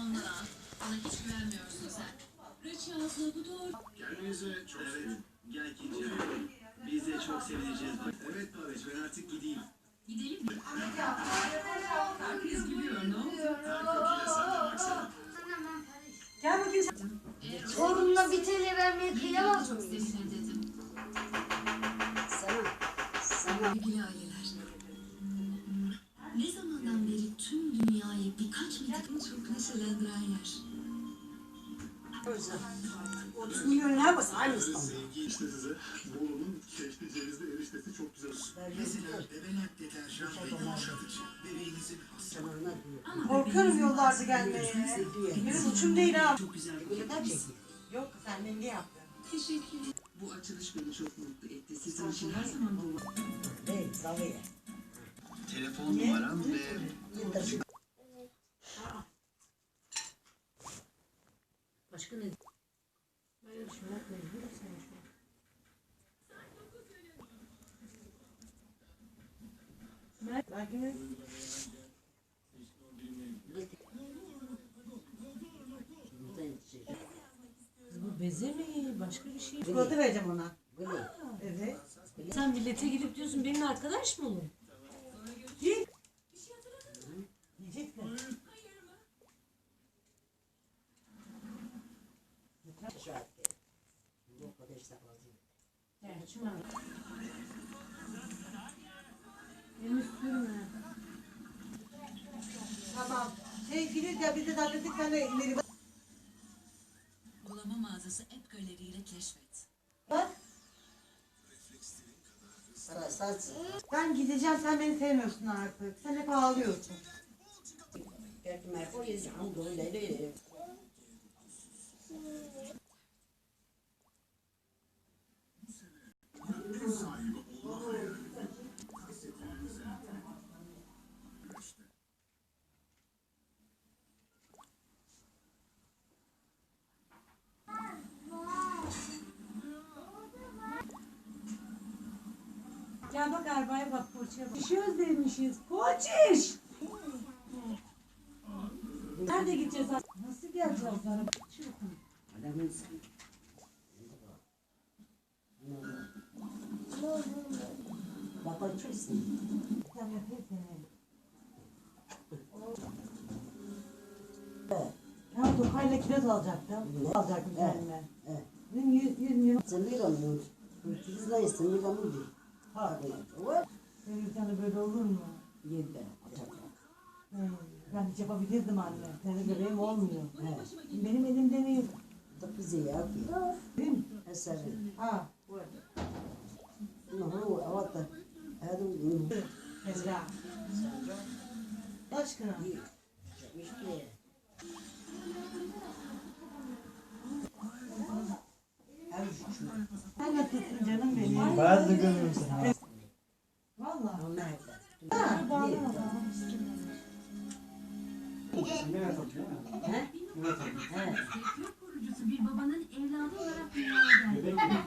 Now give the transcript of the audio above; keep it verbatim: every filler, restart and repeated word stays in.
Anla. Bana hiç güvenmiyorsun sen. Reçi abla bu doğru. Kendinize çok sevin. Gel Kinci. Biz de çok sevineceğiz. Evet Paveç, ben artık gideyim. Gidelim mi? Herkes gülüyor, ne oldu? Her kokiyle sen de baksana. Gel bakayım sen. Evet. Oğlumla bir T L vermeye kıyamaz Çok mıyız? sevinir dedim. Sana, sana. Sevgili aileler. Ne zamandan beri tüm dünyayı birkaç metre çok neşelendiren yer. otuz milyon ne yapasın? Aynı İstanbul. Sevgi işte size. Bolu'nun keşli cevizli eriştesi çok güzel. Mesela bebelak deterjan ve yumuşatıcı. Bebeğinizin hastalığı. Korkuyorum yollarda gelmeye. Benim uçum değil ha. Çok güzel bir Neden çekeyim? Yok sen ne yaptın? teşekkür ederim. Bu açılış beni çok mutlu etti. Sizin için her zaman bu. Evet, Zaviye. Telefon numaram ve... Başka ne? Böyle bir şey yapmayın. Sen şu an. Belki mi? Bu beze mi? Başka bir şey. Çikolata vereceğim ona. Evet. Sen millete gidip diyorsun benimle arkadaş mı olun? Git. Yiyecek mi? Yani şuna. Elini sürme. Tamam. Şey Filiz ya biz de hallettik sen de ileri bak. Uygulama mağazası App Gallery ile keşfet. Bak. Ben gideceğim sen beni sevmiyorsun artık. Sen hep ağlıyorsun. Gel bak arabaya bak poğaçaya bak. İşi özlemişiz. Poğaçiş! Nerede gideceğiz? Nasıl geleceğiz araba? Sen yapayım seni. Ya Tokay'la kiraz alacaktım. Alacaktım kendime. Benim yüz, yüz milyon. Ha. Televizyonda böyle olur mu? Hmm, ben hiç yapabilirdim anne. Senin bebeğim olmuyor. Benim elimde değil. Değil mi? Ha. Bu. Ezra. Aşkına. Sen nasılsın canım benim? Ben de görüyorum seni. Valla. Ha, bağlama. Mehmet atıyor mu? Mehmet atıyor. Kurucusu bir babanın evladı olarak dünyaya geldi.